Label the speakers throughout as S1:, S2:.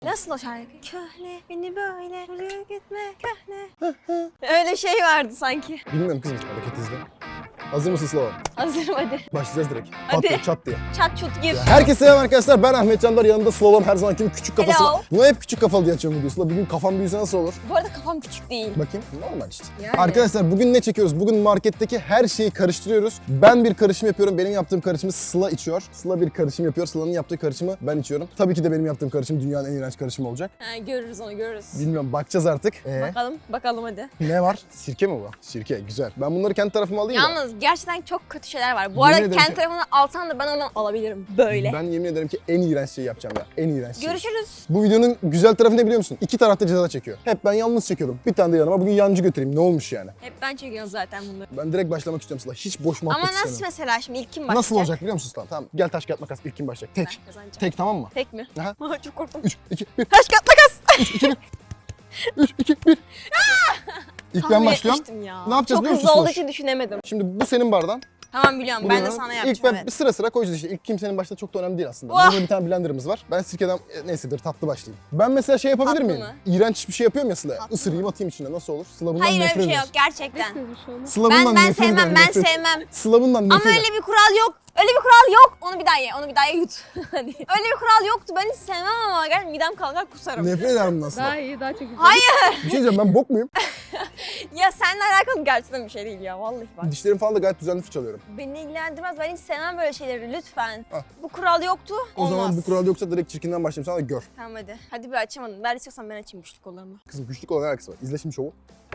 S1: Nasıl o şarkı? Köhne beni böyle vuruyor gitme köhne. Öyle şey vardı sanki.
S2: Bilmiyorum kızım, hareket izle. Hazır mısın Slava?
S1: Hazırım hadi.
S2: Başlayacağız direkt.
S1: Hadi.
S2: Pat diye, çat diye.
S1: Çat çut gir.
S2: Herkese selam arkadaşlar, ben Ahmet Candar, yanında Slava'nın her zamanki küçük kafası
S1: Hello.
S2: var. Buna hep küçük kafalı diye açıyorum videosu. Bugün kafam büyüse nasıl olur?
S1: Bu arada kafam küçük değil.
S2: Bakayım, normal işte.
S1: Yani.
S2: Arkadaşlar bugün ne çekiyoruz? Bugün marketteki her şeyi karıştırıyoruz. Ben bir karışım yapıyorum, benim yaptığım karışımı Sıla içiyor. Sıla bir karışım yapıyor, Sıla'nın yaptığı karışımı ben içiyorum. Tabii ki de benim yaptığım karışım dünyanın en iğrenç karışımı olacak.
S1: Ha, görürüz onu görürüz.
S2: Bilmiyorum, bakacağız artık.
S1: Bakalım hadi.
S2: Ne var? Sirke mi bu? Sirke, güzel. Ben bunları kendi tarafıma alayım mı?
S1: Yalnız gerçekten çok kötü şeyler var. Bu
S2: Yemin
S1: arada
S2: ederim
S1: kendi
S2: ki-
S1: tarafından alsan da ben onu alabilirim böyle.
S2: Ben yemin ederim ki en iğrenç şeyi yapacağım ya. En iğrenç şey.
S1: Görüşürüz.
S2: Bu videonun güzel tarafı ne biliyor musun? İki tarafta ceza çekiyor. Hep ben yalnız çekiyordum. Bir tane de yanıma bugün yancı götüreyim. Ne olmuş yani?
S1: Hep ben çekiyorum zaten bunları.
S2: Ben direkt başlamak istiyorum Sıla. Hiç boş muhabbet
S1: Ama nasıl
S2: istemiyorum.
S1: mesela şimdi ilk kim başlayacak?
S2: Nasıl olacak biliyor musun Sıla? Tamam. Gel taş kağıt makas. İlk kim başlayacak? Tek.
S1: Ben kazanacağım.
S2: Tek, tamam mı?
S1: Tek mi?
S2: Aha.
S1: Çok korktum.
S2: 3, 2, 1.
S1: Taş kağıt makas.
S2: 3, 2, 1. 3, 2, 1. İlk ben
S1: Tahmin
S2: başlıyorum.
S1: etmiştim ya.
S2: Ne yapacağız
S1: Çok
S2: biliyor musun
S1: hızlı olduğu
S2: Sloş?
S1: için düşünemedim.
S2: Şimdi bu senin bardağın.
S1: Tamam biliyorum.
S2: Bu
S1: Ben de
S2: benim.
S1: sana
S2: İlk
S1: yapacağım.
S2: ben
S1: Evet.
S2: sıra sıra koyacağız işte. İlk kimsenin başta çok da önemli değil aslında.
S1: Vah!
S2: Burada bir tane blenderımız var. Ben sirkeden neyse dur tatlı başlayayım. Ben mesela şey yapabilir
S1: Tatlı
S2: miyim?
S1: mı?
S2: İğrenç bir şey yapıyorum ya Sıla.
S1: Tatlı
S2: Isırayım atayım içine, nasıl olur? Sıla bundan
S1: Hayır öyle
S2: nefret
S1: bir şey
S2: eder.
S1: yok gerçekten.
S2: Sıla bundan
S1: Ben
S2: nefret
S1: sevmem,
S2: eder,
S1: ben
S2: nefret.
S1: sevmem.
S2: Sıla bundan nefret
S1: Ama
S2: eder.
S1: öyle bir kural yok. Öyle bir kural yok. Onu bir daha ye, onu bir daha ye yut. Hadi. Öyle bir kural yoktu. Ben hiç sevmem ama gel midem kalkar kusarım.
S2: Nefret ederim bundan Sıla.
S3: Daha iyi, daha çok güzel.
S1: Hayır.
S2: Bir şey diyeceğim, ben bok muyum?
S1: Ya seninle alakalı gerçekten bir şey değil ya vallahi bak.
S2: Dişlerim falan da gayet düzenli fırçalıyorum.
S1: Beni ilgilendirmez. Ben hiç sevmem böyle şeyleri lütfen.
S2: Ah.
S1: Bu kural yoktu.
S2: O
S1: Olmaz.
S2: zaman bu kural yoksa direkt çirkinden başlayayım, sana da gör.
S1: Tamam hadi. Hadi bir açamadım. Ver istiyorsan ben açayım güçlü kollarımı.
S2: Kızım güçlük olan alakası var. İzle şimdi şovu.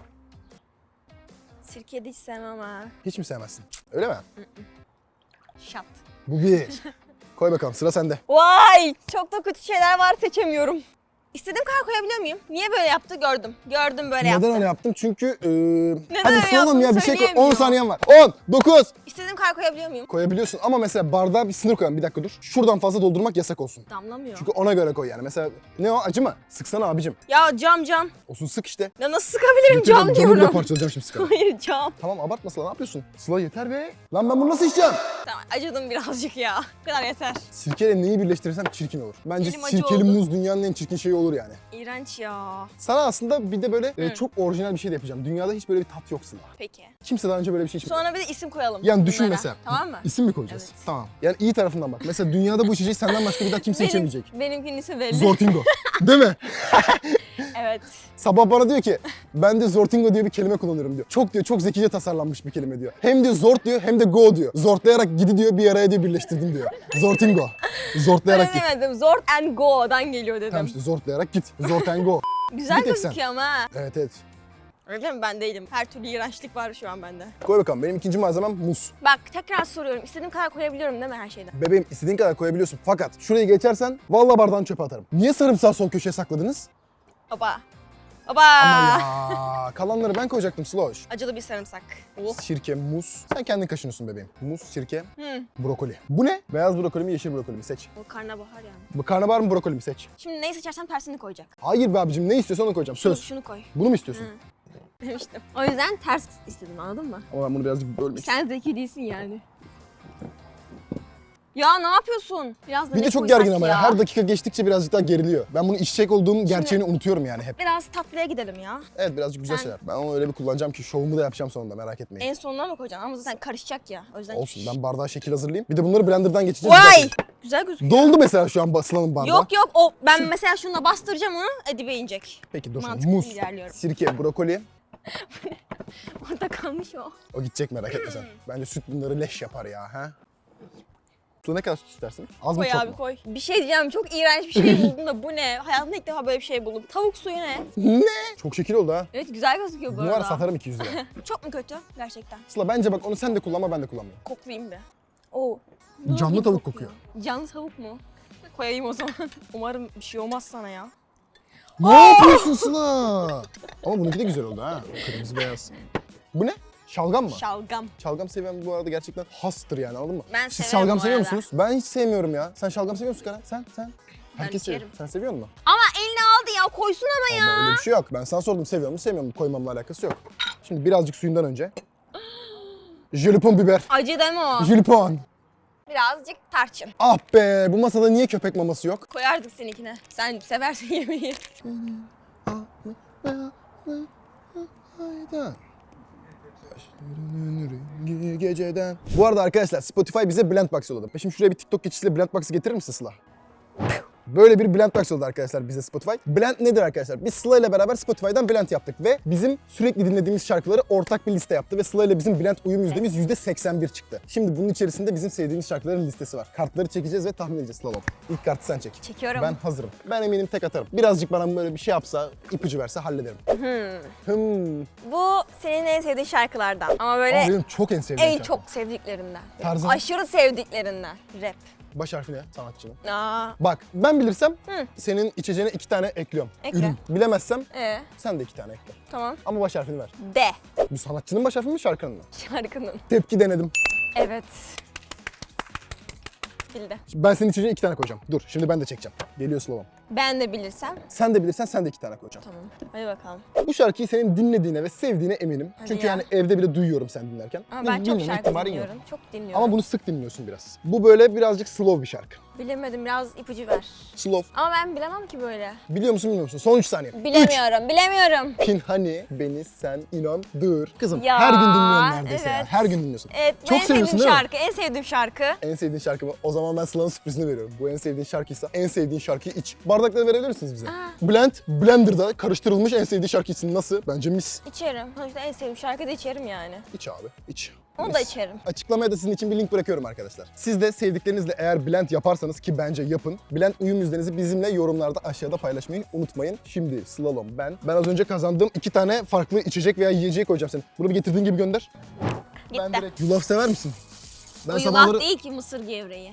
S1: Sirkeyi de hiç sevmem ha.
S2: Hiç mi sevmezsin? Öyle mi?
S1: Şat.
S2: Bu bir. Koy bakalım, sıra sende.
S1: Vay! Çok da kötü şeyler var seçemiyorum. İstediğim kadar koyabiliyor muyum? Niye böyle yaptı gördüm. Gördüm böyle yaptı.
S2: Neden öyle yaptım? Çünkü hadi
S1: öyle
S2: soralım ya,
S1: yaptığını
S2: bir şey koy. 10
S1: söyleyemiyor.
S2: saniyen var. 10, 9.
S1: İstediğim kadar koyabiliyor muyum?
S2: Koyabiliyorsun ama mesela bardağa bir sınır koyalım. Bir dakika dur. Şuradan fazla doldurmak yasak olsun.
S1: Damlamıyor.
S2: Çünkü ona göre koy yani. Mesela ne o, acı mı? Sıksana abicim.
S1: Ya cam.
S2: Olsun, sık işte.
S1: Ya nasıl sıkabilirim
S2: Yeter,
S1: cam
S2: canımla
S1: diyorum.
S2: parçalayacağım şimdi sıkarım.
S1: Hayır cam.
S2: Tamam abartma Sıla, ne yapıyorsun? Sıla yeter be. Lan ben bunu nasıl içeceğim?
S1: Tamam acıdım birazcık ya. Bu kadar yeter.
S2: Sirkeyle neyi birleştirirsem çirkin olur. Bence
S1: Elim acı
S2: sirkeli
S1: oldu.
S2: muz dünyanın en çirkin şeyi olur yani.
S1: İğrenç ya.
S2: Sana aslında bir de böyle
S1: Hı.
S2: çok orijinal bir şey de yapacağım. Dünyada hiç böyle bir tat yok Sıla.
S1: Peki.
S2: Kimse daha önce böyle bir şey içmedi.
S1: Sonra bir de isim koyalım.
S2: Yani düşün
S1: bunlara.
S2: mesela.
S1: Tamam mı?
S2: İsim mi koyacağız?
S1: Evet.
S2: Tamam. Yani iyi tarafından bak. Mesela dünyada bu içeceği senden başka bir daha kimse içemeyecek.
S1: Benimkinin ismi belli.
S2: Zortingo. Değil mi?
S1: Evet.
S2: Sabah bana diyor ki ben de Zortingo diye bir kelime kullanıyorum diyor. Çok diyor, çok zekice tasarlanmış bir kelime diyor. Hem diyor zort diyor hem de go diyor. Zortlayarak gidi diyor, bir araya diyor birleştirdim diyor. Zortingo. Zortlayarak
S1: Öyle
S2: git.
S1: demedim. Zort and go'dan geliyor dedim.
S2: Tamam işte zortlayarak git. Zort and go.
S1: Güzel
S2: bir tek sen.
S1: gözüküyor ama ha.
S2: Evet evet.
S1: Öyle mi? Ben değilim. Her türlü iğrençlik var şu an bende.
S2: Koy bakalım. Benim ikinci malzemem muz.
S1: Bak tekrar soruyorum. İstediğim kadar koyabiliyorum değil mi her şeyden?
S2: Bebeğim istediğin kadar koyabiliyorsun. Fakat şurayı geçersen vallahi bardağını çöpe atarım. Niye sarımsağı son köşeye sakladınız?
S1: Baba. Baba.
S2: Ama ya kalanları ben koyacaktım Sloş.
S1: Acılı bir sarımsak. Oh.
S2: Sirke, muz. Sen kendin kaşınıyorsun bebeğim. Muz, sirke,
S1: Hı.
S2: brokoli. Bu ne? Beyaz brokoli mi, yeşil brokoli mi? Seç.
S1: O karnabahar yani.
S2: Bu karnabahar mı, brokoli mi? Seç.
S1: Şimdi neyi seçersem tersini koyacak.
S2: Hayır be abicim, ne istiyorsan onu koyacağım.
S1: Şunu,
S2: Söz.
S1: şunu koy.
S2: Bunu mu istiyorsun?
S1: Demiştim. O yüzden ters istedim anladın mı?
S2: Ama ben bunu birazcık bölmek istiyorum.
S1: Sen zeki değilsin yani. Ya ne yapıyorsun? Biraz da
S2: Bir
S1: ne
S2: de çok
S1: koysak
S2: gergin ama ya. Her dakika geçtikçe birazcık daha geriliyor. Ben bunu içecek olduğum gerçeğini unutuyorum yani hep.
S1: Biraz tatlıya gidelim ya.
S2: Evet, birazcık güzel
S1: Sen-
S2: şeyler. Ben onu öyle bir kullanacağım ki şovumu da yapacağım sonunda, merak etmeyin.
S1: En sonuna mı koyacaksın? Ama zaten karışacak ya. O yüzden...
S2: Olsun, ben bardağa şekil hazırlayayım. Bir de bunları blenderdan geçeceğiz.
S1: Vay!
S2: Güzel.
S1: Güzel gözüküyor.
S2: Doldu mesela şu an basılanın bardağı.
S1: Yok o ben mesela şununla bastıracağım onu dibe inecek.
S2: Peki dur şimdi.
S1: Mantıklı
S2: Muz,
S1: ilerliyorum.
S2: sirke, brokoli.
S1: Orada kalmış o.
S2: O gidecek, merak etme sen. Bence süt bunları leş yapar ya. Ha? Su ne kadar süt istersin? Az mı
S1: Koy
S2: çok
S1: abi
S2: mu?
S1: koy. Bir şey diyeceğim çok iğrenç bir şey buldum da bu ne? Hayatımda ilk defa böyle bir şey buldum. Tavuk suyu ne?
S2: Ne? Çok şekil oldu ha.
S1: Evet güzel gözüküyor bu
S2: Bunu var
S1: arada.
S2: ya, satarım 200 lira.
S1: Çok mu kötü gerçekten?
S2: Sıla bence bak, onu sen de kullanma, ben de kullanmayayım.
S1: Koklayayım bir. Oo. Ne
S2: Canlı
S1: gibi
S2: tavuk kokuyor.
S1: Canlı tavuk mu? Koyayım o zaman. Umarım bir şey olmaz sana ya.
S2: Ne yapıyorsun Sıla? Ama bununki de güzel oldu ha. Kırmızı beyaz. Bu ne? Şalgam mı?
S1: Şalgam.
S2: Şalgam seven bu arada gerçekten hastır yani, anladın mı?
S1: Ben
S2: Siz
S1: severim
S2: şalgam
S1: bu
S2: seviyor
S1: arada.
S2: musunuz? Ben hiç sevmiyorum ya. Sen şalgam seviyor musun Kara? Sen? Herkes seviyor.
S1: içerim.
S2: Sen seviyor musun?
S1: Ama eline aldı ya koysun ama ya.
S2: Ama öyle bir şey yok. Ben sana sordum, seviyor musun, sevmiyor musun? Koymamla alakası yok. Şimdi birazcık suyundan önce. Jalapon biber.
S1: Acı deme o.
S2: Jalapon.
S1: Birazcık tarçın.
S2: Ah be, bu masada niye köpek maması yok?
S1: Koyardık seninkine. Sen seversin yemeği.
S2: Geceden. Bu arada arkadaşlar Spotify bize Blendbox yolladı. Şimdi şuraya bir TikTok geçişiyle Blendbox'ı getirir misin Sıla? Böyle bir Blendbox oldu arkadaşlar bize Spotify. Blend nedir arkadaşlar? Biz Sıla ile beraber Spotify'dan Blend yaptık ve bizim sürekli dinlediğimiz şarkıları ortak bir liste yaptı ve Sıla ile bizim Blend uyum yüzdemiz %81 çıktı. Şimdi bunun içerisinde bizim sevdiğimiz şarkıların listesi var. Kartları çekeceğiz ve tahmin edeceğiz Slalom. İlk kartı sen çek.
S1: Çekiyorum.
S2: Ben hazırım. Ben eminim tek atarım. Birazcık bana böyle bir şey yapsa, ipucu verse hallederim.
S1: Bu senin en sevdiğin şarkılardan. Ama böyle
S2: Benim çok en sevdiğim
S1: en
S2: şarkı.
S1: çok sevdiklerinden.
S2: Tarzın?
S1: Aşırı sevdiklerinden. Rap.
S2: Baş harfi ne sanatçının?
S1: Aa.
S2: Bak ben bilirsem senin içeceğine 2 tane ekliyorum.
S1: Ekle.
S2: Ürün. Bilemezsem sen de 2 tane ekle.
S1: Tamam.
S2: Ama baş harfini ver.
S1: D.
S2: Bu sanatçının baş harfi mi şarkının mı?
S1: Şarkının.
S2: Tepki denedim.
S1: Evet. Bildi.
S2: Şimdi ben senin içeceğine 2 tane koyacağım. Dur şimdi ben de çekeceğim. Geliyor Slova'm.
S1: Ben de bilirsem.
S2: Sen de bilirsen sen de 2 tane koyacağım.
S1: Tamam. Hadi bakalım.
S2: Bu şarkıyı senin dinlediğine ve sevdiğine eminim.
S1: Hadi
S2: Çünkü
S1: ya.
S2: yani evde bile duyuyorum sen dinlerken.
S1: Ama ben çok
S2: Bilmeme
S1: şarkı
S2: ihtimalin
S1: dinliyorum.
S2: yok.
S1: Çok dinliyorum.
S2: Ama bunu sık dinliyorsun biraz. Bu böyle birazcık slow bir şarkı.
S1: Bilemedim. Biraz ipucu ver.
S2: Slow.
S1: Ama ben bilemem ki böyle.
S2: Biliyor musun bilmiyor musun? Son 3 saniye.
S1: Bilemiyorum. Bilemiyorum.
S2: Pinhani beni sen inandır. Kızım
S1: Ya,
S2: her gün dinliyorsun neredeyse ya.
S1: evet.
S2: Her gün dinliyorsun.
S1: Evet. Bu
S2: Çok
S1: en
S2: seviyorsun
S1: sevdiğim
S2: değil mi?
S1: şarkı. En sevdiğim şarkı.
S2: En sevdiğin şarkı mı? O zaman ben Sıla'nın sürprizini veriyorum. Bu en sevdiğin şarkıysa en sevdiğin şarkıyı iç. Bardakları verebilir misiniz bize? Blend, Blender'da karıştırılmış en sevdiği şarkı için nasıl? Bence mis.
S1: İçerim. Sonuçta en sevdiğim şarkı da içerim yani.
S2: İç abi, iç.
S1: Onu
S2: Mis.
S1: da içerim.
S2: Açıklamaya da sizin için bir link bırakıyorum arkadaşlar. Siz de sevdiklerinizle eğer blend yaparsanız ki bence yapın. Blend uyum yüzdenizi bizimle yorumlarda aşağıda paylaşmayı unutmayın. Şimdi Slalom ben az önce kazandığım 2 tane farklı içecek veya yiyeceği koyacağım senin. Bunu bir getirdiğin gibi gönder.
S1: Gitti.
S2: Ben direkt yulaf sever misin? Ben
S1: Bu
S2: sabahları...
S1: yulaf değil ki mısır gevreği.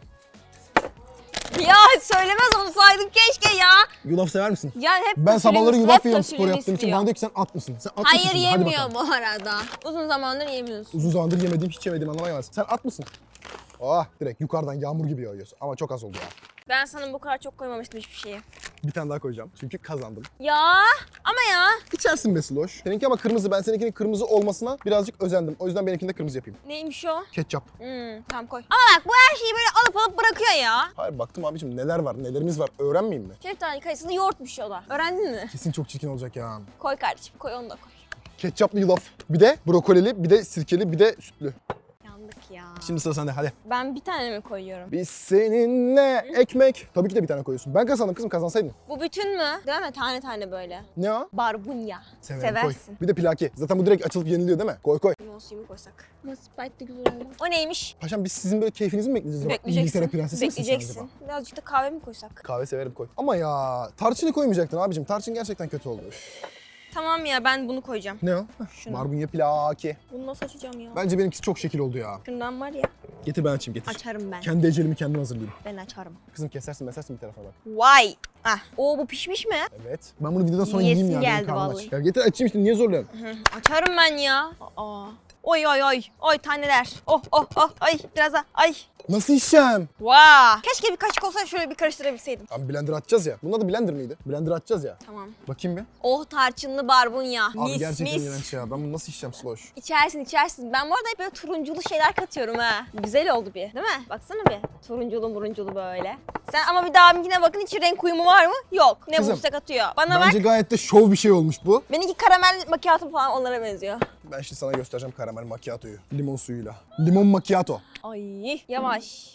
S1: Ya söylemez onu saydım keşke ya.
S2: Yulaf sever misin?
S1: Ya hep
S2: Ben sabahları
S1: kötülüğünü-
S2: yulaf
S1: hep
S2: yiyorum spor
S1: kötülüğünü
S2: yaptığım için.
S1: istiyor.
S2: Bana diyor ki sen at mısın? Sen at
S1: Hayır
S2: mısın? Hadi
S1: yemiyor
S2: bakalım.
S1: bu arada. Uzun zamandır yemiyorsun.
S2: Uzun zamandır yemediğim, hiç yemediğim anlamına gelmez. Sen at mısın? Ah direkt yukarıdan yağmur gibi yağıyorsun. Ama çok az oldu ya.
S1: Ben sana bu kadar çok koymamıştım hiçbir şeyi.
S2: Bir tane daha koyacağım. Çünkü kazandım.
S1: Ya ama ya.
S2: İçersin be Sloş. Seninki ama kırmızı. Ben seninkinin kırmızı olmasına birazcık özendim. O yüzden benimkini de kırmızı yapayım.
S1: Neymiş o?
S2: Ketçap.
S1: Tamam koy. Ama bak bu her şeyi böyle alıp bırakıyor ya.
S2: Hayır baktım abicim neler var, nelerimiz var. Öğrenmeyeyim mi?
S1: Şeftali kayısılı yoğurtmuş o da. Öğrendin mi?
S2: Kesin çok çirkin olacak ya.
S1: Koy kardeşim koy onu da koy.
S2: Ketçaplı yulaf. Bir de brokolili, bir de sirkeli, bir de sütlü.
S1: Yandık ya.
S2: Şimdi sıra sende hadi.
S1: Ben bir tane mi koyuyorum?
S2: Biz seninle ekmek. Tabii ki de bir tane koyuyorsun. Ben kazandım kızım, kazansaydın.
S1: Bu bütün mü? Değil mi? Tane tane böyle.
S2: Ne o?
S1: Barbunya.
S2: Severim, koy.
S1: Seversin.
S2: Bir de plaki. Zaten bu direkt açılıp yeniliyor değil mi? Koy koy.
S1: Limon suyu mu koysak? Ama Sprite de güzel olmaz. O neymiş?
S2: Paşam biz sizin böyle keyfinizi mi bekleyeceğiz? acaba? İngiltere
S1: Bekleyeceksin.
S2: prensesi misin sen acaba?
S1: Bekleyeceksin. Birazcık da kahve mi koysak?
S2: Kahve severim koy. Ama ya tarçını koymayacaktın abicim. Tarçın gerçekten kötü oldu. Üf.
S1: Tamam ya ben bunu koyacağım.
S2: Ne o?
S1: Şunu.
S2: Barbunya plaki.
S1: Bunu nasıl açacağım ya?
S2: Bence benimkisi çok şekil oldu ya.
S1: Şundan var ya.
S2: Getir ben açayım getir.
S1: Açarım ben.
S2: Kendi ecelimi kendim hazırlayayım.
S1: Ben açarım.
S2: Kızım kesersin bir tarafa bak.
S1: Vay. Ah. Oo bu pişmiş mi?
S2: Evet. Ben bunu videodan sonra
S1: Yiyesim
S2: yiyeyim ya. benim
S1: geldi
S2: karnım aç.
S1: vallahi.
S2: Ya getir açayım işte niye zorluyorsun?
S1: Açarım ben ya. Aa. Oy oy oy. Oy taneler. Oh oh oh. Ay biraz daha. Ay.
S2: Nasıl içeceğim?
S1: Vaa. Keşke bir kaşık olsa şöyle bir karıştırabilseydim.
S2: Abi blender atacağız ya. Bunun adı blender mıydı? Blender atacağız ya.
S1: Tamam.
S2: Bakayım bir.
S1: Oh tarçınlı barbunya.
S2: Abi
S1: Mis
S2: gerçekten
S1: mis.
S2: iğrenç ya. Ben bunu nasıl içeceğim Sloş?
S1: İçersin. Ben bu arada hep böyle turunculu şeyler katıyorum ha. Güzel oldu bir. Değil mi? Baksana bir. Turunculu murunculu böyle. Sen ama bir daha benimkine bakın içi renk uyumu var mı? Yok. Ne
S2: Kızım,
S1: bulursa katıyor. Bana
S2: Bence
S1: bak.
S2: gayet de şov bir şey olmuş bu.
S1: Benimki karamel macchiato falan onlara benziyor.
S2: Ben şimdi sana göstereceğim karamel macchiato'yu. Limon suyuyla. Limon macchiato.
S1: Ay yavaş.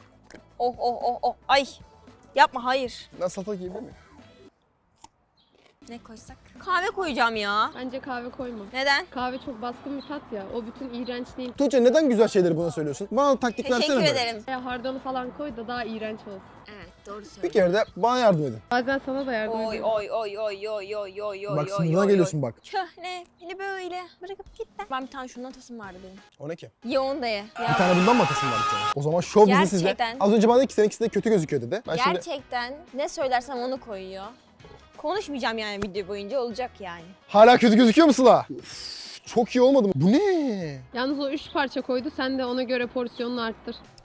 S1: Oh oh oh oh. Ay. Yapma hayır.
S2: Ben salata yiyebilir miyim?
S1: Ne koysak? Kahve koyacağım ya.
S3: Bence kahve koyma.
S1: Neden?
S3: Kahve çok baskın bir tat ya. O bütün iğrençliğin.
S2: Tuğçe neden güzel şeyleri buna söylüyorsun? Bana taktik versene
S1: Teşekkür
S2: böyle.
S1: ederim.
S3: Hardanı falan koy da daha iğrenç olsun.
S1: Evet doğru söylüyorsun.
S2: Bir kere de bana yardım edin.
S3: Bazen sana da yardım
S1: Oy
S3: ediyorum.
S1: oy oy oy oy oy oy oy
S2: Bak
S1: oy
S2: sınırına
S1: oy,
S2: geliyorsun
S1: oy.
S2: bak.
S1: Köhne beni böyle bırakıp gitti. Ben bir tane şundan tasım vardı benim.
S2: O ne ki?
S1: Ye onu da ye.
S2: Bir
S1: Ya,
S2: tane bundan mı atasın var bir tane? O zaman şov bizi sizde.
S1: Gerçekten.
S2: Az önce bana dedi ki seninkisi de kötü gözüküyor dedi. Ben şimdi
S1: gerçekten ne söylersem onu koyuyor. Konuşmayacağım yani video boyunca olacak yani.
S2: hala kötü gözüküyor musun la? Uf, çok iyi olmadı mı? Bu ne?
S3: Yalnız o 3 parça koydu. Sen de ona göre porsiyonunu arttır.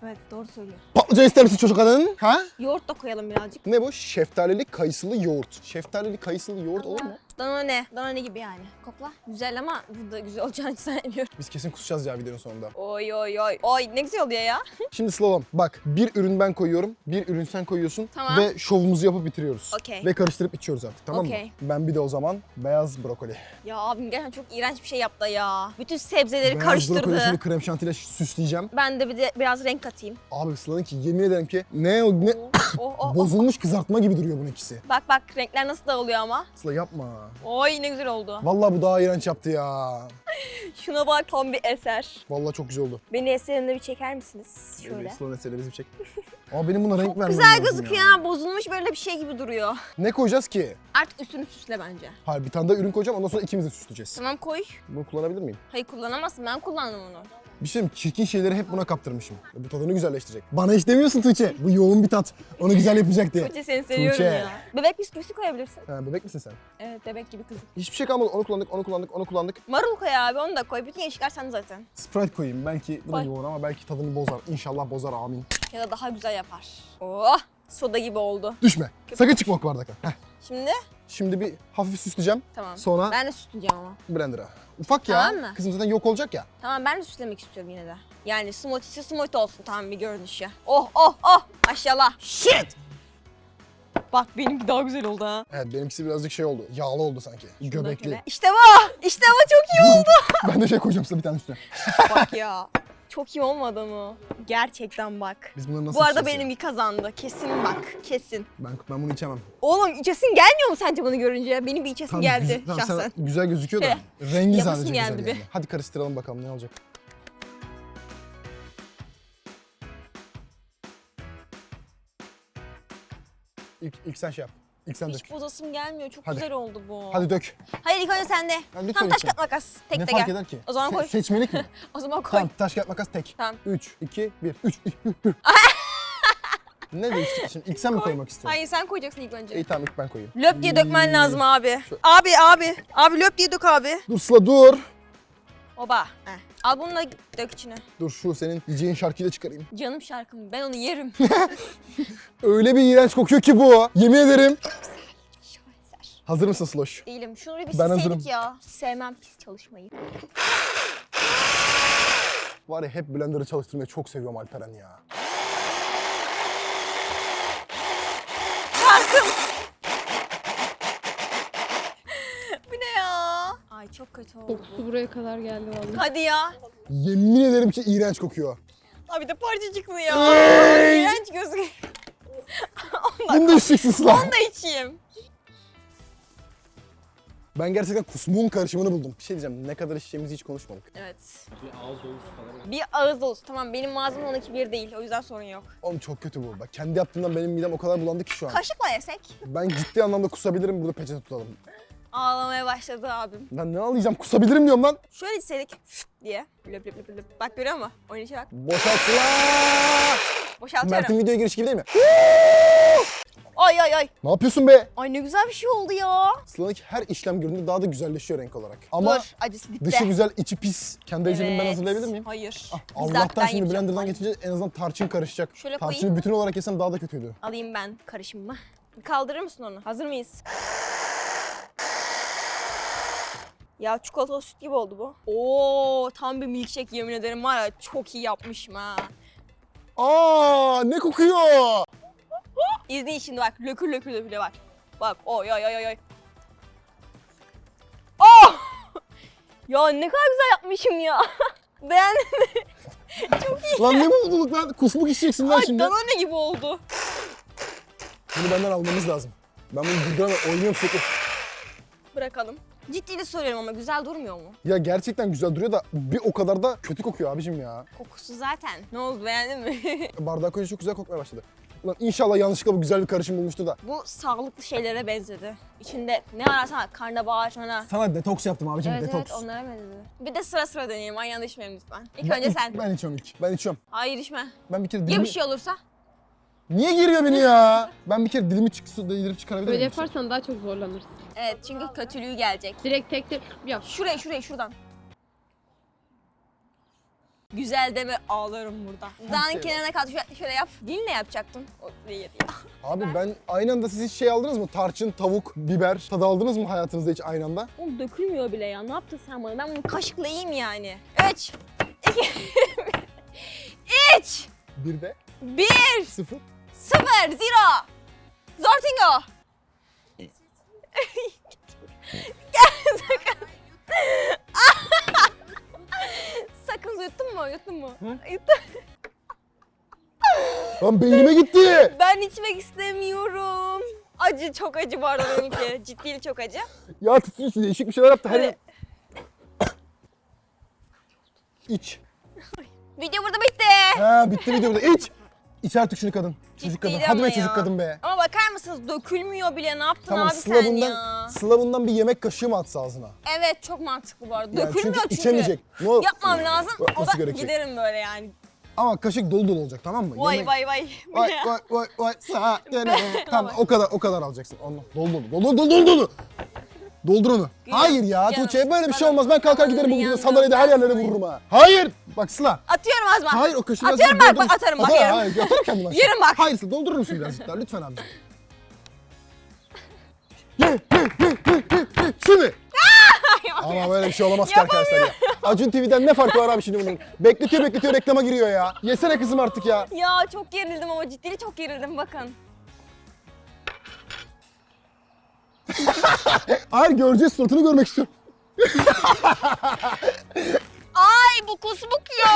S1: Evet doğru söylüyor.
S2: Patlıcan ister misin çocuk kadın? Ha?
S1: Yoğurt da koyalım birazcık.
S2: Ne bu? Şeftalili kayısılı yoğurt. Şeftalili kayısılı yoğurt olur mu?
S1: Danone. Danone gibi yani. Kokla. Güzel ama bu da güzel olacağını hiç sanmıyorum.
S2: Biz kesin kusacağız ya videonun sonunda.
S1: Oy oy oy. Oy ne güzel oluyor ya.
S2: Şimdi slalom. Bak bir ürün ben koyuyorum, bir ürün sen koyuyorsun
S1: Tamam.
S2: ve şovumuzu yapıp bitiriyoruz.
S1: Okey.
S2: Ve karıştırıp içiyoruz artık, tamam
S1: Okey.
S2: mı? Ben bir de o zaman beyaz brokoli.
S1: Ya abim gerçekten çok iğrenç bir şey yaptı ya. Bütün sebzeleri
S2: Beyaz brokoli
S1: karıştırdı.
S2: şimdi krem şantiyle süsleyeceğim.
S1: Ben de bir de biraz renk katayım.
S2: Abi Sıla'nın ki yemin ederim ki ne
S1: Oh.
S2: bozulmuş kızartma gibi duruyor bunun ikisi.
S1: Bak bak renkler nasıl dağılıyor ama.
S2: Sıla yapma.
S1: Oy ne güzel oldu.
S2: Vallahi bu daha iğrenç yaptı ya.
S1: Şuna bak tam bir eser.
S2: Vallahi çok güzel oldu.
S1: Beni eserinde bir çeker misiniz? Şöyle.
S2: Sıla'nın eseri bizi çek. Ama benim buna renk vermem
S1: Güzel
S2: lazım
S1: gözüküyor
S2: ya.
S1: ha. Bozulmuş böyle bir şey gibi duruyor.
S2: Ne koyacağız ki?
S1: Artık üstünü süsle bence.
S2: Hayır bir tane daha ürün koyacağım ondan sonra ikimiz de süsleyeceğiz.
S1: Tamam koy.
S2: Bunu kullanabilir miyim?
S1: Hayır kullanamazsın. Ben kullandım onu.
S2: Bir şey diyeyim, çirkin şeyleri hep buna kaptırmışım. Bu tadını güzelleştirecek. Bana hiç demiyorsun Tuğçe. Bu yoğun bir tat. Onu güzel yapacak diye.
S1: Tuğçe seni seviyorum
S2: Tuğçe.
S1: ya. Bebek bisküvisi koyabilirsin.
S2: Ha, bebek misin sen?
S1: Evet bebek gibi kızım.
S2: Hiçbir şey kalmadı. Onu kullandık.
S1: Marul koy abi onu da koy. Bütün yeşiller sende zaten.
S2: Sprite koyayım. Belki bu da
S1: Koy.
S2: yoğun ama belki tadını bozar. İnşallah bozar amin.
S1: Ya da daha güzel yapar. Oh soda gibi oldu.
S2: Düşme. Sakın çıkma o bardaktan. Heh.
S1: Şimdi
S2: Şimdi bir hafif süsleyeceğim.
S1: tamam.
S2: Sonra
S1: Ben de süsleyeceğim ama.
S2: blender'a. Ufak ya.
S1: Tamam mı?
S2: Kızım zaten yok olacak ya.
S1: Tamam ben de süslemek istiyorum yine de. Yani smoothie'si smoothie olsun tamam bir görünüşü. Oh maşallah.
S2: Shit!
S1: Bak benimki daha güzel oldu ha.
S2: Evet benimkisi birazcık şey oldu. Yağlı oldu sanki. Göbekli.
S1: İşte bu. İşte bu çok iyi oldu.
S2: Ben de şey koyacağım size bir tane üstüne.
S1: Bak ya. Çok iyi olmadı mı? Gerçekten bak.
S2: Biz bunları nasıl
S1: Bu arada
S2: içeceğiz ya?
S1: benimki kazandı. Kesin bak. Kesin.
S2: Ben bunu içemem.
S1: Oğlum içesin gelmiyor mu sence bunu görünce? Benim bir içesim
S2: Tamam,
S1: geldi
S2: tamam,
S1: şahsen.
S2: sen güzel gözüküyor da.
S1: Şöyle,
S2: Rengi
S1: yapasım
S2: sadece
S1: geldi
S2: güzel
S1: bir.
S2: yani. Hadi karıştıralım bakalım ne olacak. İlk sen şey yap. İlk sen dök.
S1: Hiç bozasım gelmiyor. Çok
S2: Hadi.
S1: güzel oldu bu.
S2: Hadi dök.
S1: Hayır ilk önce sende.
S2: lütfen
S1: Tam taş
S2: lütfen.
S1: kağıt makas. Tek
S2: Ne
S1: de
S2: fark
S1: gel.
S2: eder ki?
S1: O zaman koy.
S2: Seçmelik mi?
S1: O zaman koy.
S2: Tamam taş kağıt makas tek.
S1: Tamam.
S2: 3, 2, 1. 3, 2, 1. Ne değişti şimdi? İlk sen mi
S1: Koy.
S2: koymak istiyorsun?
S1: Hayır sen koyacaksın ilk önce.
S2: İyi tamam ilk ben koyayım.
S1: Löp diye dökmen lazım abi.
S2: Şöyle.
S1: Abi. Abi löp diye dök abi.
S2: Dur Sıla dur.
S1: Oba. Heh. Al bunu da dök içine.
S2: Dur şu senin yiyeceğin şarkıyı da çıkarayım.
S1: Canım şarkım. Ben onu yerim.
S2: Öyle bir iğrenç kokuyor ki bu. Yemin ederim.
S1: Şaheser.
S2: Hazır mısın Sloş?
S1: Değilim. Şunu bir
S2: Ben hazırım.
S1: silseydik ya. Sevmem pis çalışmayı.
S2: Var ya hep blender'ı çalıştırmayı çok seviyorum Alperen ya.
S1: Bu ne ya? Ay çok kötü oldu.
S3: Kokusu buraya kadar geldi vallahi.
S1: Hadi ya.
S2: Yemin ederim ki iğrenç kokuyor.
S1: Abi de parçacıklı ya.
S2: Ay!
S1: İğrenç gözüküyor.
S2: Bunu da içeceksin Sıla.
S1: Onu da içeyim.
S2: Ben gerçekten kusmuğun karışımını buldum. Bir şey diyeceğim, ne kadar içeceğimizi hiç konuşmadık.
S1: Evet.
S4: Bir ağız dolusu falan.
S1: Bir ağız dolusu. Tamam benim malzemem onunki bir değil. O yüzden sorun yok.
S2: Oğlum çok kötü bu. Bak kendi yaptığımdan benim midem o kadar bulandı ki şu an.
S1: Kaşıkla yesek.
S2: Ben ciddi anlamda kusabilirim, burada peçete tutalım.
S1: Ağlamaya başladı abim.
S2: Ben ne ağlayacağım, kusabilirim diyorum lan.
S1: Şöyle içseydik diye. Löp löp löp löp. Bak görüyor musun? Oyun içe bak.
S2: Boşalt Sıla!
S1: Boşaltıyorum.
S2: Mert'in videoya giriş gibi değil mi?
S1: Ay ay ay.
S2: Ne yapıyorsun be?
S1: Ay ne güzel bir şey oldu ya.
S2: Sıla'nınki her işlem gördüğünde daha da güzelleşiyor renk olarak. Ama
S1: Dur acısı dipte.
S2: dışı güzel, içi pis. Kendi ecelimin ben
S1: Evet.
S2: hazırlayabilir miyim?
S1: Hayır.
S2: Ah,
S1: Bizzat
S2: Allah'tan
S1: ben
S2: şimdi
S1: yapacağım.
S2: blenderdan
S1: Ay.
S2: geçince en azından tarçın karışacak.
S1: Şöyle
S2: Tarçını
S1: koyayım.
S2: bütün olarak yesem daha da kötüydü.
S1: Alayım ben karışımımı. Kaldırır mısın onu? Hazır mıyız? Ya çikolatalı süt gibi oldu bu. Oo tam bir milkshake yemin ederim var ya çok iyi yapmışım ha.
S2: Aa, ne kokuyor?
S1: İzleyin şimdi bak lökür lökür lökür bak. Bak oy oy oy oy. Oh! Ya ne kadar güzel yapmışım ya. Beğendin mi?
S2: Lan ne mutluluk lan? Kusmuk içeceksin lan
S1: Ay
S2: şimdi.
S1: Danone gibi oldu.
S2: Bunu benden almamız lazım. Ben bunu güldüremem, oynuyorum sürekli.
S1: Bırakalım. Ciddi de söylüyorum ama güzel durmuyor mu?
S2: Ya gerçekten güzel duruyor da bir o kadar da kötü kokuyor abicim ya.
S1: Kokusu zaten. Ne oldu beğendin mi?
S2: Bardağı koyunca çok güzel kokmaya başladı. Ulan inşallah yanlışlıkla bu güzel bir karışım bulmuştu da.
S1: Bu sağlıklı şeylere benzedi. İçinde ne ararsan var, karnabahar sana.
S2: Sana detoks yaptım abicim,
S1: Evet
S2: detoks.
S1: evet onlara benzedi. Bir de sıra sıra deneyelim. Aynı anda içmeyelim lütfen. İlk önce sen.
S2: Ben içiyorum ilk. Ben içiyorum.
S1: Hayır içme.
S2: Ben bir kere
S1: Ya
S2: dilimi...
S1: bir şey olursa?
S2: Niye giriyor beni ya? Ben bir kere dilimi delirip çıkarabilir
S3: Böyle
S2: miyim?
S3: yaparsan daha çok zorlanırsın.
S1: Evet çünkü kötülüğü gelecek.
S3: Direkt tek tek yap.
S1: Şuraya şuradan. Güzel deme ağlarım burada. Dudağının
S2: şey
S1: kenarına kaldı. Şöyle yap. Dilinle yapacaktın. O değil ya.
S2: Abi ben aynı anda siz hiç şey aldınız mı? Tarçın, tavuk, biber tadı aldınız mı hayatınızda hiç aynı anda?
S1: Oğlum dökülmüyor bile ya. Ne yaptın sen bana? Ben bunu kaşıkla yiyeyim yani. 3, 2, 3,
S2: Bir de
S1: 1,
S2: 0.
S1: 0, 0. Zortingo. Gel sakın. Sakın yuttun mu? Yuttun mu? Yuttun.
S2: Lan beynime gitti.
S1: Ben içmek istemiyorum. Acı, çok acı bu arada benimki. Ciddi çok acı.
S2: Ya tutuyorsun değişik bir şeyler yaptı. Her
S1: Evet.
S2: İç.
S1: Video burada bitti.
S2: Ha bitti video burada. İç. İç artık şunu kadın. Çocuk kadın.
S1: Ciddiydi
S2: Hadi
S1: ama
S2: be çocuk
S1: ya.
S2: kadın be.
S1: Ama bakar mısınız dökülmüyor bile. Ne yaptın
S2: Tamam
S1: abi
S2: Sıla
S1: sen
S2: bundan,
S1: ya?
S2: Sıla bundan bir yemek kaşığı mı atsa ağzına?
S1: Evet çok mantıklı bu arada.
S2: Yani
S1: Dökülmüyor çünkü.
S2: içemeyecek. Ne olur?
S1: Yapmam lazım. O
S2: Nasıl
S1: da
S2: gerekecek?
S1: giderim böyle yani.
S2: Ama kaşık dolu dolu olacak tamam mı?
S1: Vay
S2: Yemek-
S1: vay vay.
S2: Vay vay vay vay sağ dene. Tamam o kadar alacaksın. Onu dolu dolu. Doldur onu. Hayır ya
S1: Canım,
S2: Tuğçe böyle bir şey
S1: bana-
S2: olmaz. Ben kalkar giderim bu
S1: yandım,
S2: videoda sandalyede her yerlere vururum ha. Hayır. Bak Sıla.
S1: Atıyorum Azma.
S2: Hayır o kaşığı
S1: Atıyorum
S2: birazcık
S1: bak,
S2: doldur.
S1: atarım bak,
S2: Atar,
S1: yerim.
S2: Hayır atarım kendim aşağı.
S1: Yerim bak.
S2: Hayır Sıla doldurur musun birazcık daha lütfen abiciğim. Şunu. Ama böyle bir şey olamaz ki arkadaşlar ya. Acun TV'den ne farkı var abi şimdi bunun? Bekletiyor reklama giriyor ya. Yesene kızım artık ya.
S1: Ya çok gerildim ama ciddi çok gerildim bakın.
S2: Hayır göreceğiz suratını görmek istiyorum.
S1: Ay bu kusmuk ya.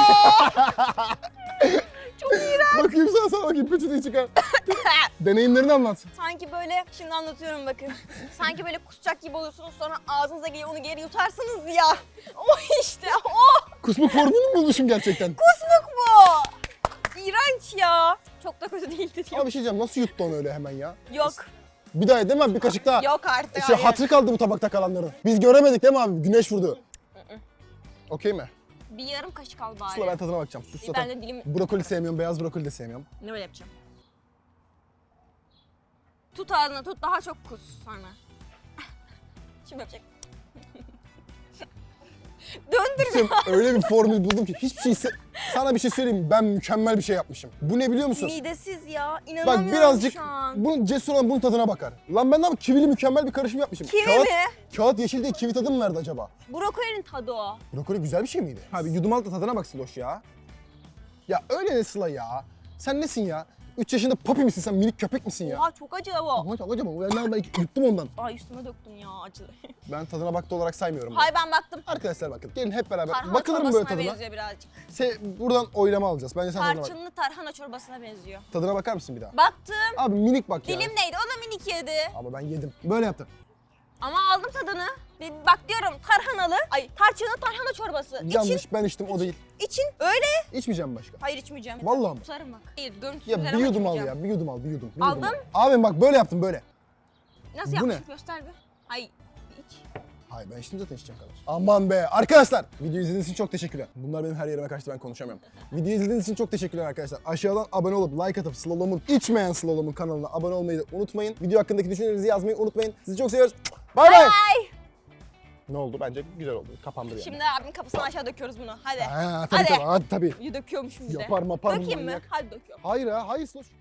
S1: Çok iğrenç.
S2: Bakayım sana bakayım peçeteyi çıkar. Deneyimlerini anlat.
S1: Sanki böyle şimdi anlatıyorum bakın. Sanki böyle kusacak gibi oluyorsunuz sonra ağzınıza geliyor onu geri yutarsınız ya. O işte o.
S2: Kusmuk formülünü mü bulmuşum gerçekten?
S1: Kusmuk bu. İğrenç ya. Çok da kötü değildi diyor.
S2: Abi bir şey diyeceğim nasıl yuttu onu öyle hemen ya?
S1: Yok.
S2: Bir daha değil mi? Bir kaşık daha.
S1: Yok artık.
S2: Şey,
S1: hayır.
S2: hatırı kaldı bu tabakta kalanların. Biz göremedik değil mi abi? Güneş vurdu. Okey mi?
S1: Bir yarım kaşık al bari.
S2: Sıla ben tadına bakacağım. Sus
S1: Ben
S2: zaten.
S1: de dilim
S2: Brokoli sevmiyorum, beyaz brokoli de sevmiyorum.
S1: ne böyle yapacağım? Tut ağzına tut daha çok kus sonra. Şimdi yapacak. Döndür.
S2: Sen öyle bir formül buldum ki hiçbir şey sana bir şey söyleyeyim mi? Ben mükemmel bir şey yapmışım. Bu ne biliyor musun?
S1: Midesiz ya.
S2: Bak
S1: İnanamıyorum
S2: birazcık
S1: şu an.
S2: bunun cesur olan bunun tadına bakar. Lan ben de kivili mükemmel bir karışım yapmışım.
S1: Kivi
S2: kağıt,
S1: mi?
S2: Kağıt yeşil diye kivi tadı mı verdi acaba?
S1: Brokolinin tadı o.
S2: Brokoli güzel bir şey miydi? Abi yudum al da tadına bak Sıloş ya. Ya öyle ne Sıla ya? Sen nesin ya? 3 yaşında papi misin sen? Minik köpek misin ya?
S1: Oha çok acı bu.
S2: Ama çok acaba ben yuttum ondan.
S1: Ay üstüme döktüm ya acı.
S2: Ben tadına baktı olarak saymıyorum. bunu.
S1: Hay ben baktım.
S2: Arkadaşlar bakın gelin hep beraber
S1: Tarhana
S2: bakılır mı böyle
S1: çorbasına
S2: tadına?
S1: benziyor birazcık.
S2: Buradan oylama alacağız. Bence sen tadına bak.
S1: Tarçınlı tarhana çorbasına benziyor.
S2: Tadına bakar mısın bir daha?
S1: Baktım.
S2: Abi minik bak ya.
S1: Dilim neydi? O da minik yedi.
S2: Ama ben yedim. Böyle yaptım.
S1: Ama aldım tadını. Bak diyorum tarhanalı, tarçınlı tarhana çorbası.
S2: Yanlış ben içtim o değil.
S1: İçin öyle.
S2: İçmeyeceğim başka.
S1: Hayır içmeyeceğim.
S2: Vallahi mi?
S1: Kusarım bak. Hayır görüntüsü
S2: Ya
S1: güzel
S2: bir
S1: ama
S2: yudum al
S1: içmeyeceğim.
S2: ya. Bir yudum al, bir yudum. Bir
S1: Aldım.
S2: Yudum al. Abi bak böyle yaptım böyle.
S1: Nasıl
S2: Bu
S1: yapmışım
S2: ne?
S1: göster bir. Hayır iç.
S2: Hayır ben içtim zaten içeceğim kadar. Aman be arkadaşlar. Video izlediğiniz için çok teşekkürler. Bunlar benim her yerime kaçtı ben konuşamıyorum. Video izlediğiniz için çok teşekkürler arkadaşlar. Aşağıdan abone olup like atıp Slalom'un içmeyen Slalom'un kanalına abone olmayı da unutmayın. Video hakkındaki düşüncelerinizi yazmayı unutmayın. Sizi çok seviyoruz. Bay bay.
S1: Ay.
S2: Ne oldu? Bence güzel oldu. Kapandı yani.
S1: Şimdi abinin kapısına aşağı döküyoruz bunu. Hadi.
S2: Ha, tabii
S1: Hadi.
S2: tabii. Hadi tabii.
S1: Döküyormuşum bir de.
S2: Yapar mapar bu
S1: Dökeyim mi?
S2: manyak.
S1: Hadi döküyorum.
S2: Hayır ha, hayır Sloş.